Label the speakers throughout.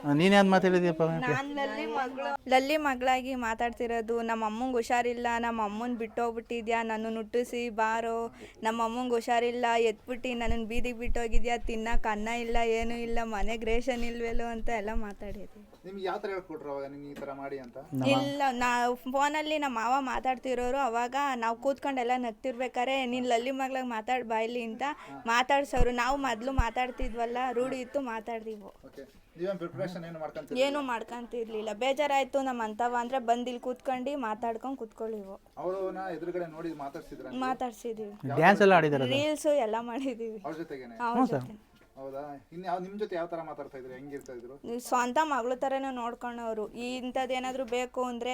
Speaker 1: ನೀನು ಯಾವ್ದು ಮಾತಾಡಿದ್ಯಪ್ಪ?
Speaker 2: ನಾನು ಲಲ್ಲಿ ಮಗಳಾಗಿ ಮಾತಾಡ್ತಿರೋದು. ನಮ್ಮ ಅಮ್ಮಂಗೆ ಹುಷಾರಿಲ್ಲ, ನಮ್ಮ ಅಮ್ಮನ ಬಿಟ್ಟೋಗ್ಬಿಟ್ಟಿದ್ಯಾ, ನನ್ನನ್ನು ಹುಟ್ಟಿಸಿ ಬಾರೋ, ನಮ್ಮ ಅಮ್ಮಂಗೆ ಹುಷಾರಿಲ್ಲ ಎತ್ಬಿಟ್ಟು ನನ್ನನ್ನು ಬೀದಿಗೆ ಬಿಟ್ಟೋಗಿದ್ಯಾ, ತಿನ್ನಕ್ಕೆ ಅನ್ನ ಇಲ್ಲ ಏನೂ ಇಲ್ಲ, ಮನೆಗೆ ರೇಷನ್ ಇಲ್ವೇಲೋ ಅಂತ ಎಲ್ಲ ಮಾತಾಡಿದ್ವಿ.
Speaker 3: ನಿಮ್ಗೆ ಯಾವ ಥರ ಹೇಳ್ಕೊಟ್ರು ಅವಾಗ ನಿಮ್ಗೆ ಈ ಥರ ಮಾಡಿ ಅಂತ?
Speaker 2: ಇಲ್ಲ, ನಾವು ಫೋನಲ್ಲಿ ನಮ್ಮ ಮಾವ ಮಾತಾಡ್ತಿರೋರು. ಅವಾಗ ನಾವು ಕೂತ್ಕೊಂಡೆಲ್ಲ ನಗ್ತಿರ್ಬೇಕಾರೆ ನೀನು ಲಲ್ಲಿ ಮಗಳಾಗಿ ಮಾತಾಡಿ ಬಾಯ್ಲಿ ಅಂತ ಮಾತಾಡ್ಸೋರು. ನಾವು ಮೊದಲು ಮಾತಾಡ್ತಿದ್ವಲ್ಲ, ರೂಢಿ ಇತ್ತು, ಮಾತಾಡ್ತೀವಿ. ಏನು ಮಾಡ್ಕೊಂತಿರ್ಲಿಲ್ಲ. ಬೇಜಾರಾಯ್ತು ನಮ್ಮ ಅಂತವ ಅಂದ್ರೆ ಬಂದು ಇಲ್ಲಿ ಕೂತ್ಕೊಂಡು ಮಾತಾಡ್ಕೊಂಡು ಕೂತ್ಕೊಳ್ಳಿವು. ಮಾತಾಡ್ಸಿದೀವಿ,
Speaker 1: ಡ್ಯಾನ್ಸ್ ಎಲ್ಲ ಆಡಿದಾರೆ,
Speaker 2: ರೀಲ್ಸ್ ಎಲ್ಲ ಮಾಡಿದೀವಿ.
Speaker 3: ಹೌದಾ? ನಿಮ್ಮ ಜೊತೆ ಯಾವ ತರ ಮಾತಾಡ್ತಾ ಇದ್ರು, ಹೆಂಗಿರ್ತಾ ಇದ್ರು?
Speaker 2: ಸ್ವಂತ ಮಗಳ ತರನೇ ನೋಡ್ಕೊಂಡವ್ರು. ಇಂಥದ್ದೇನಾದ್ರು ಬೇಕು ಅಂದ್ರೆ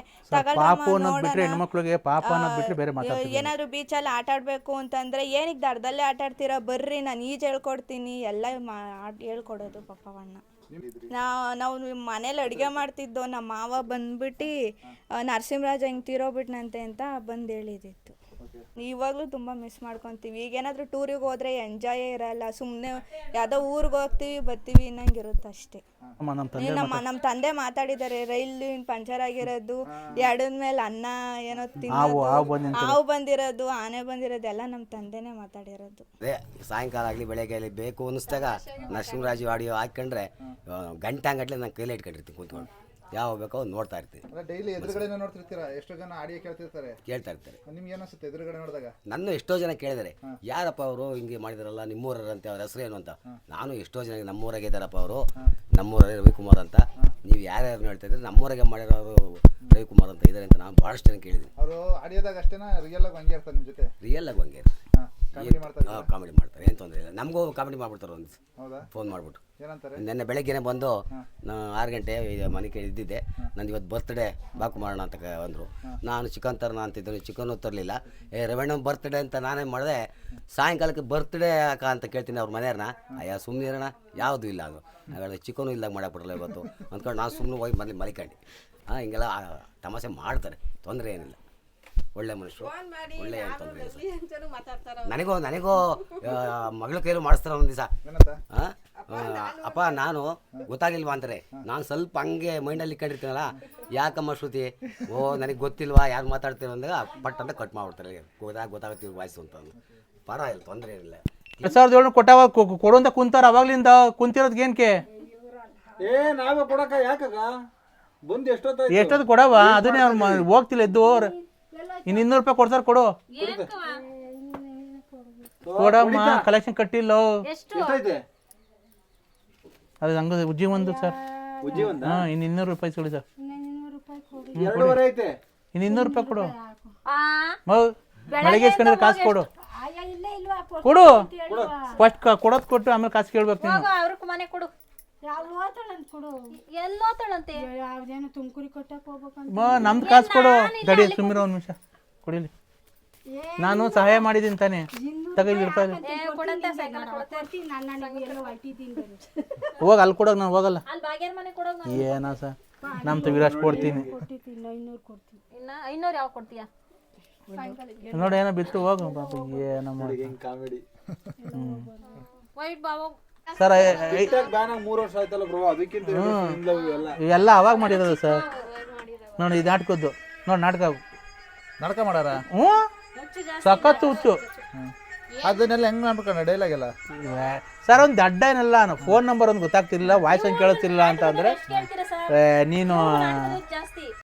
Speaker 2: ಏನಾದ್ರು ಬೀಚಲ್ಲಿ ಆಟ ಆಡ್ಬೇಕು ಅಂತಂದ್ರೆ ಏನಿಗೆ ದಡದಲ್ಲೇ ಆಟ ಆಡ್ತೀರಾ, ಬರ್ರಿ ನಾನು ಈಜು ಹೇಳ್ಕೊಡ್ತೀನಿ ಎಲ್ಲ ಹೇಳ್ಕೊಡೋದು ಪಾಪವಣ್ಣ. ನಾವು ಮನೇಲಿ ಅಡುಗೆ ಮಾಡ್ತಿದ್ದೋ, ನಮ್ಮ ಮಾವ ಬಂದ್ಬಿಟ್ಟು ನರಸಿಂಹರಾಜ ಹಿಂಗೆ ತೀರೋಗ್ಬಿಟ್ನಂತೆ ಅಂತ ಬಂದು ಹೇಳಿದಿತ್ತು. ಇವಾಗಲೂ ತುಂಬ ಮಿಸ್ ಮಾಡ್ಕೊತೀವಿ. ಈಗೇನಾದರೂ ಟೂರಿಗೆ ಹೋದ್ರೆ ಎಂಜಾಯೇ ಇರಲ್ಲ, ಸುಮ್ಮನೆ ಯಾವುದೋ ಊರಿಗೆ ಹೋಗ್ತೀವಿ ಬರ್ತೀವಿ ಇನ್ನಂಗಿರುತ್ತೆ ಅಷ್ಟೇ. ನಮ್ಮ ತಂದೆ ಮಾತಾಡಿದ್ದಾರೆ, ರೈಲು ಪಂಚರ್ ಆಗಿರೋದು, ಎಡದ ಮೇಲೆ ಅನ್ನ ಏನೋ ತಿನ್ನೋದು, ಹಾವು ಬಂದಿರೋದು, ಆನೆ ಬಂದಿರೋದು ಎಲ್ಲ ನಮ್ಮ ತಂದೆನೇ ಮಾತಾಡಿರೋದು.
Speaker 4: ಸಾಯಂಕಾಲ ಆಗಲಿ ಬೆಳಗ್ಗೆ ಆಗಲಿ ಬೇಕು ಅನ್ನಿಸ್ದಾಗ ನರಸಿಂಹರಾಜು ಆಡಿಯೋ ಹಾಕೊಂಡ್ರೆ ಗಂಟೆ ನಾನು ಕೈಲಿ ಇಟ್ಕೊಂಡಿರ್ತೀನಿ ಕೂತ್ಕೊಂಡು, ಯಾವ ಬೇಕೋ ನೋಡ್ತಾ ಇರ್ತೀನಿ.
Speaker 3: ಡೈಲಿ ಎದುರುಗಡೆ ನೋಡ್ತಿರ್ತೀರಾ? ಎಷ್ಟೋ ಜನ ಆಡಿಯೋ ಕೇಳ್ತಾ ಇರ್ತಾರೆ. ನಿಮ್ಗೆ ಏನಿಸುತ್ತೆ ಎದುರುಗಡೆ ನೋಡಿದಾಗ?
Speaker 4: ನನ್ನ ಎಷ್ಟೋ ಜನ ಕೇಳಿದರೆ ಯಾರಪ್ಪ ಅವರು ಹಿಂಗೆ ಮಾಡಿದಾರಲ್ಲ ನಿಮ್ಮೂರಂತ, ಅವ್ರ ಹೆಸರು ಏನು ಅಂತ. ನಾನು ಎಷ್ಟೋ ಜನ ನಮ್ಮೂರಾಗೆ ಇದ್ದಾರಪ್ಪ ಅವರು, ನಮ್ಮೂರಲ್ಲಿ ರವಿಕುಮಾರ್ ಅಂತ. ನೀವು ಯಾರ್ಯಾರು ಹೇಳ್ತಾ ಇದ್ರೆ ನಮ್ಮೂರಾಗೆ ಮಾಡಿರೋರು ರವಿಕುಮಾರ್ ಅಂತ ಇದ್ದಾರೆ ಅಂತ ನಾನು ಭಾಳಷ್ಟು ಜನ ಕೇಳಿದ್ದೀನಿ.
Speaker 3: ಅವರು ಆಡಿಯೋದಾಗ ಅಷ್ಟೇನಾ ರಿಯಲ್ ಆಗಿ ಹಂಗೆ ಇರ್ತಾರೆ ನಿಮ್ಮ ಜೊತೆ?
Speaker 4: ರಿಯಲ್ ಆಗಿ ಹಂಗೆ ಕಾಮಿಡಿ ಮಾಡ್ತಾರೆ, ಏನು ತೊಂದರೆ ಇಲ್ಲ. ನಮಗೂ ಕಾಮಿಡಿ ಮಾಡ್ಬಿಡ್ತಾರೆ ಒಂದು ಫೋನ್ ಮಾಡಿಬಿಟ್ಟು. ನೆನ್ನೆ ಬೆಳಗ್ಗೆನೆ ಬಂದು 6 ಗಂಟೆ ಮನೆ ಕಡೆ ಇದ್ದಿದ್ದೆ, ನಂದು ಇವತ್ತು ಬರ್ತ್ಡೇ ಬಾಕು ಮಾಡೋಣ ಅಂತ ಅಂದರು. ನಾನು ಚಿಕನ್ ತರೋಣ ಅಂತಿದ್ದೀನಿ, ಚಿಕನ್ನು ತರಲಿಲ್ಲ. ರವಣ್ಣ ಬರ್ತ್ಡೇ ಅಂತ ನಾನೇ ಮಾಡಿದೆ. ಸಾಯಂಕಾಲಕ್ಕೆ ಬರ್ತ್ಡೇ ಯಾಕ ಅಂತ ಕೇಳ್ತೀನಿ ಅವ್ರ ಮನೆಯವ್ರನ್ನ. ಅಯ್ಯ ಸುಮ್ಮನೆ ಇರೋಣ, ಯಾವುದೂ ಇಲ್ಲ ಅದು ನಾಳೆ ಚಿಕನು ಇಲ್ದಾಗ ಮಾಡಾಕ್ಬಿಡಲ್ಲ ಇವತ್ತು ಅಂದ್ಕೊಂಡು ನಾನು ಸುಮ್ಮನೆ ಹೋಗಿ ಮೊದಲು ಮಲಿಕೊಂಡು. ಹಿಂಗೆಲ್ಲ ತಮಾಷೆ ಮಾಡ್ತಾರೆ, ತೊಂದರೆ ಏನಿಲ್ಲ. ಒಳ್ಳೆ ಮನುಷ್ಯರು, ಒಳ್ಳೆ ತೊಂದರೆ ಇಲ್ಲ. ನನಗೂ ಮಗಳ ಕೈಲೂ ಮಾಡಿಸ್ತಾರೆ ಒಂದು ದಿವಸ. ಅಪ್ಪ ನಾನು ಗೊತ್ತಾಗಿಲ್ವಾ ಅಂತಾರೆ. ನಾನು ಸ್ವಲ್ಪ ಹಂಗೆ ಮೈಂಡಲ್ಲಿ ಇಟ್ಕೊಂಡಿರ್ತೀನಲ್ಲ, ಯಾಕಮ್ಮ ಶ್ರುತಿ ನನಗೆ ಗೊತ್ತಿಲ್ವಾ ಯಾರು ಮಾತಾಡ್ತೀವಿ ಅಂದಾಗ ಪಟ್ ಅಂತ ಕಟ್ ಮಾಡ್ಬಿಡ್ತಾರೆ. ಗೊತ್ತಾಗತ್ತೀವಿ ವಾಯ್ಸು ಅಂತ. ಪರವಾಗಿಲ್ಲ, ತೊಂದರೆ ಏನಿಲ್ಲ.
Speaker 1: 2007 ಕೊಟ್ಟಾವ ಕೊಡುವಂತ ಕುಂತಾರ, ಅವಾಗ್ಲಿಂದ ಕುಂತಿರೋದ್ ಏನಕ್ಕೆ?
Speaker 5: ನಾವೇ ಕೊಡಕ ಯಾಕಾಗ ಬಂದು
Speaker 1: ಎಷ್ಟೊತ್ತು ಕೊಡವ? ಅದನ್ನೇ ಅವ್ರು ಹೋಗ್ತಿಲ್ಲ ಎದ್ದು. ಇನ್ನು 200 ರೂಪಾಯಿ ಕೊಡ್ತಾರ, ಕೊಡು ಕೊಡಮ್ಮ. ಕಲೆಕ್ಷನ್ ಕಟ್ಟಿಲ್ಲ ಅದು ಹಂಗ ಉಜ್ಜಿ ಒಂದು ಸರ್. ಇನ್ನು 200 ರೂಪಾಯಿ ಕೊಡಿ ಸರ್. ಇನ್ನು 200 ರೂಪಾಯಿ ಕೊಡು. ಬೆಳಗ್ಗೆ ಇಸ್ಕೊಂಡ್ರೆ ಕಾಸು ಕೊಡು. ಫಸ್ಟ್ ಕೊಡೋದು ಕೊಟ್ಟು ಆಮೇಲೆ ಕಾಸು ಕೇಳ್ಬೇಕು ನೀನು. ನಮ್ದು ಕಾಸು ಕೊಡು. ಗಡಿ ಸುಮ್ಮಿರೋ ಒಂದು ನಿಮಿಷ ಕೊಡಿಲಿ. ನಾನು ಸಹಾಯ ಮಾಡಿದ್ದೀನಿ ತಾನೆ, ತಗೊಂಡು ರೂಪಾಯಿ ಹೋಗ ಅಲ್ಲಿ ಕೊಡೋಗ. ನಾನು ಹೋಗಲ್ಲ ಏನ ಸರ್, ನಮ್ ವಿರಾಜ್ ಕೊಡ್ತೀನಿ ನೋಡಿ. ಏನೋ ಬಿತ್ತು ಹೋಗ ಏನೋ
Speaker 5: ಕಾಮಿಡಿ
Speaker 1: ಸರ್.
Speaker 5: 3 ವರ್ಷ ಆಯ್ತಲ್ಲ ಬ್ರೋ, ಅದಕ್ಕಿಂತ
Speaker 1: ಎಲ್ಲ ಅವಾಗ ಮಾಡಿರೋದು ಸರ್. ನೋಡಿ ಇದು ನಾಟಕದ್ದು ನೋಡಿ, ನಾಟಕ ಮಾಡಾರ. ಹ್ಞೂ ಸಖತ್ತು ಹುಚ್ಚು.
Speaker 3: ಅದನ್ನೆಲ್ಲ ಹೆಂಗ್ ಮಾಡ್ಬೇಕಣ್ಣ ಡೈಲಾಗ್ ಎಲ್ಲ?
Speaker 1: ಸರ್ ಒಂದು ದಡ್ಡ ಏನಲ್ಲ, ಫೋನ್ ನಂಬರ್ ಒಂದು ಗೊತ್ತಾಗ್ತಿರ್ಲಿಲ್ಲ, ವಾಯ್ಸ್ ಒಂದು ಕೇಳುತ್ತಿಲ್ಲ ಅಂತ ಅಂದ್ರೆ ನೀನು